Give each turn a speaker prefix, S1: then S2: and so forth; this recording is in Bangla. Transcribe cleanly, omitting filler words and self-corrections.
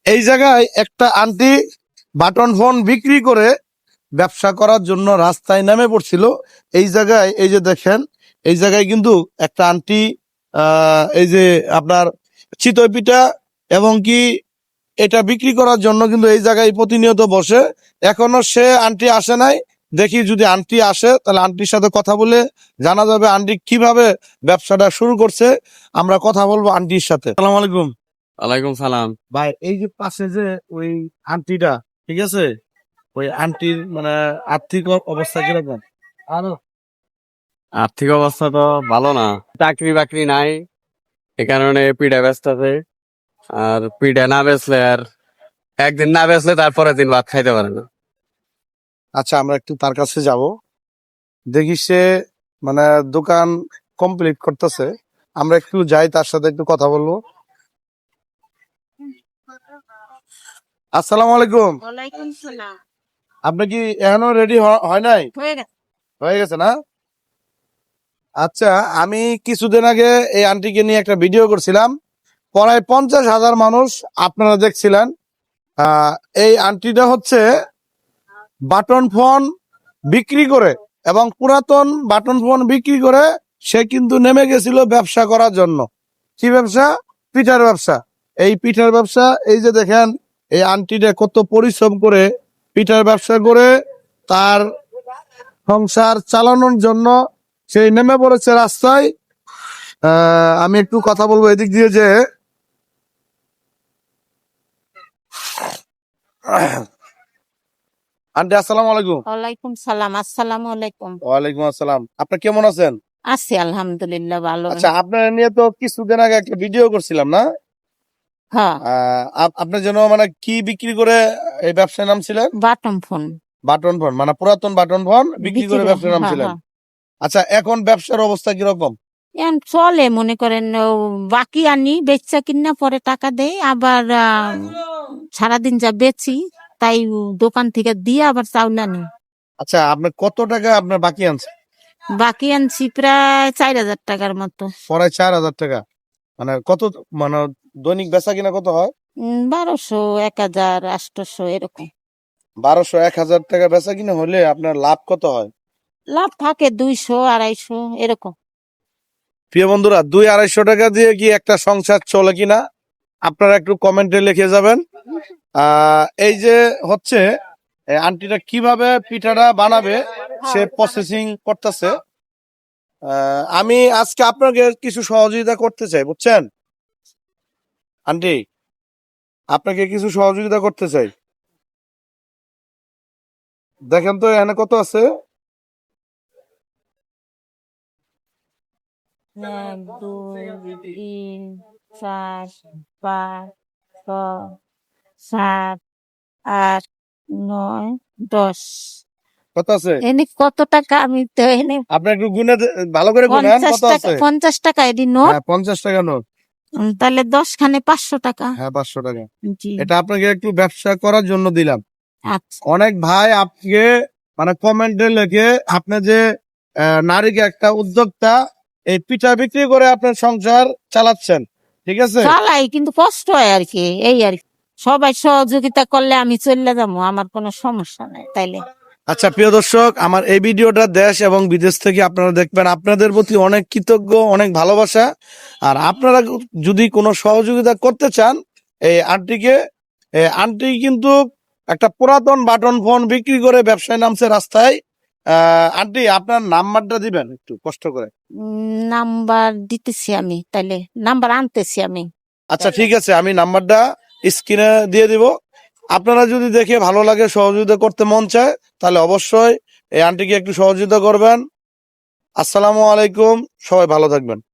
S1: এই জায়গায় একটা আন্টি বাটন ফোন বিক্রি করে ব্যবসা করার জন্য রাস্তায় নেমে পড়ছিল। এই জায়গায় এই যে দেখেন, এই জায়গায় কিন্তু একটা আন্টি এই যে আপনার চিতই পিঠা এবং কি এটা বিক্রি করার জন্য কিন্তু এই জায়গায় প্রতিনিয়ত বসে। এখনো সে আন্টি আসে নাই। দেখি যদি আন্টি আসে তাহলে আন্টির সাথে কথা বলে জানা যাবে আন্টি কিভাবে ব্যবসাটা শুরু করছে। আমরা কথা বলবো আন্টির সাথে। আসসালামু আলাইকুম।
S2: ওয়ালাইকুম সালাম।
S1: ভাই, এই যে পাশে যে ওই আন্টিটা, ঠিক আছে, ওই আন্টির মানে আর্থিক অবস্থা কিরকম?
S2: আর্থিক অবস্থা তো ভালো না, চাকরি বাকরি নাই, এ কারণে পিঠা ব্যস্ত আছে। আর পিঠা না বেচলে আর একদিন না বেচলে তারপরের দিন ভাত খাইতে পারে না।
S1: আচ্ছা, আমরা একটু তার কাছে যাব, দেখি সে মানে দোকান কমপ্লিট করতেছে। আমরা একটু যাই, তার সাথে একটু কথা বলবো। আসসালামু আলাইকুম।
S3: ওয়ালাইকুম সালাম।
S1: আপনি কি এখনো রেডি হয় নাই?
S3: হয়ে গেছে।
S1: হয়ে গেছে না? আচ্ছা, আমি কিছুদিন আগে এই আন্টিকে নিয়ে একটা ভিডিও করছিলাম, প্রায় 50,000 মানুষ আপনারা দেখছিলেন। এই আন্টিটা হচ্ছে বাটন ফোন বিক্রি করে এবং পুরাতন বাটন ফোন বিক্রি করে সে কিন্তু নেমে গেছিল ব্যবসা করার জন্য। কি ব্যবসা? পিঠার ব্যবসা। এই পিঠার ব্যবসা, এই যে দেখেন এই আন্টিটা কত পরিশ্রম করে পিঠার ব্যবসা করে তার সংসার চালানোর জন্য সেই নেমে পড়েছে রাস্তায়। আমি একটু কথা বলবো এদিক দিয়ে যে আন্টি আসসালামু আলাইকুম।
S3: ওয়ালাইকুম সালাম। আসসালামু আলাইকুম।
S1: ওয়ালাইকুম আসসালাম। আপনি কেমন আছেন?
S3: আছি আলহামদুলিল্লাহ ভালো।
S1: আচ্ছা, আপনার নিয়ে তো কিছুদিন আগে একটা ভিডিও করছিলাম না?
S3: হ্যাঁ,
S1: আপনি যেন মানে কি বিক্রি করে এই ব্যবসায় নামছিলেন?
S3: বাটন ফোন
S1: বাটন ফোন, মানে পুরাতন বাটন ফোন বিক্রি করে ব্যবসায় নামছিলেন। আচ্ছা, এখন ব্যবসার অবস্থা কিরকম?
S3: এখন চলে, মনে করেন বাকি আনি বেচা কিনা পরে টাকা দেয়, আবার সারাদিন যা বেচি তাই দোকান থেকে দিয়ে আবার চাউল আনি।
S1: আচ্ছা, আপনি কত টাকা আপনার বাকি আনছেন?
S3: বাকি আনছি প্রায় 4,000 টাকার মতো।
S1: প্রায় 4,000 টাকা। মানে কত, মানে দৈনিক বেচা কিনা কত হয়?
S3: 1200, 1,000, 800 এরকম
S1: 1200, 1,000 টাকা বেচা কিনা হলে আপনার লাভ কত হয়?
S3: লাভ থাকে 200, 250 এরকম।
S1: প্রিয় বন্ধুরা, 200-250 টাকা দিয়ে কি একটা সংসার চলে কিনা আপনারা একটু কমেন্টে লিখে যাবেন। এই যে হচ্ছে আন্টিটা কিভাবে পিঠাটা বানাবে সে প্রসেসিং করতেছে। আমি আজকে আপনাকে কিছু সহযোগিতা করতে চাই, বুঝছেন আন্টি? আপনাকে কিছু সহযোগিতা করতে চাই। দেখেন তো এখানে কত আছে।
S3: 1, 2, 3, 4, 5, 6, 7, 8, 9, 10।
S1: কত আছে?
S3: এনে কত টাকা? আমি তো এনে
S1: আপনি একটু গুনে ভালো করে গুনেন
S3: 50
S1: কত
S3: টাকা,
S1: আছে।
S3: 50 টাকা এটি নোট।
S1: হ্যাঁ, 50 টাকা নোট।
S3: তাহলে 10 খানে 500 টাকা।
S1: হ্যাঁ, 500 টাকা।
S3: জি,
S1: এটা আপনাকে একটু ব্যবসা করার জন্য দিলাম।
S3: আচ্ছা।
S1: অনেক ভাই আপনি মানে কমেন্টে লিখে আপনি যে নারীকে একটা উদ্যোক্তা, এই পিঠা বিক্রি করে আপনার সংসার চালাচ্ছেন, ঠিক আছে?
S3: চালাই, কিন্তু কষ্ট হয় আর কি, এই আর কি। সবাই সহযোগিতা করলে আমি চলে যাবো, আমার কোনো সমস্যা নাই তাইলে।
S1: আচ্ছা, প্রিয় দর্শক, আমার এই ভিডিওটা দেশ এবং বিদেশ থেকে আপনারা দেখবেন। আপনাদের প্রতি অনেক কৃতজ্ঞ, অনেক ভালোবাসা। আর আপনারা যদি কোনো সহযোগিতা করতে চান এই আন্টিকে, আন্টি কিন্তু একটা পুরাতন বাটন ফোন বিক্রি করে ব্যবসায় নামছে রাস্তায়। আন্টি, আপনার নাম্বারটা দিবেন একটু কষ্ট করে।
S3: নাম্বার দিতেছি আমি, তাইলে নাম্বার আনতেছি আমি।
S1: আচ্ছা, ঠিক আছে, আমি নাম্বারটা স্ক্রিনে দিয়ে দিব। আপনারা যদি দেখে ভালো লাগে, সহযোগিতা করতে মন চায়, তাহলে অবশ্যই এই আন্টিকে একটু সহযোগিতা করবেন। আসসালামু আলাইকুম, সবাই ভালো থাকবেন।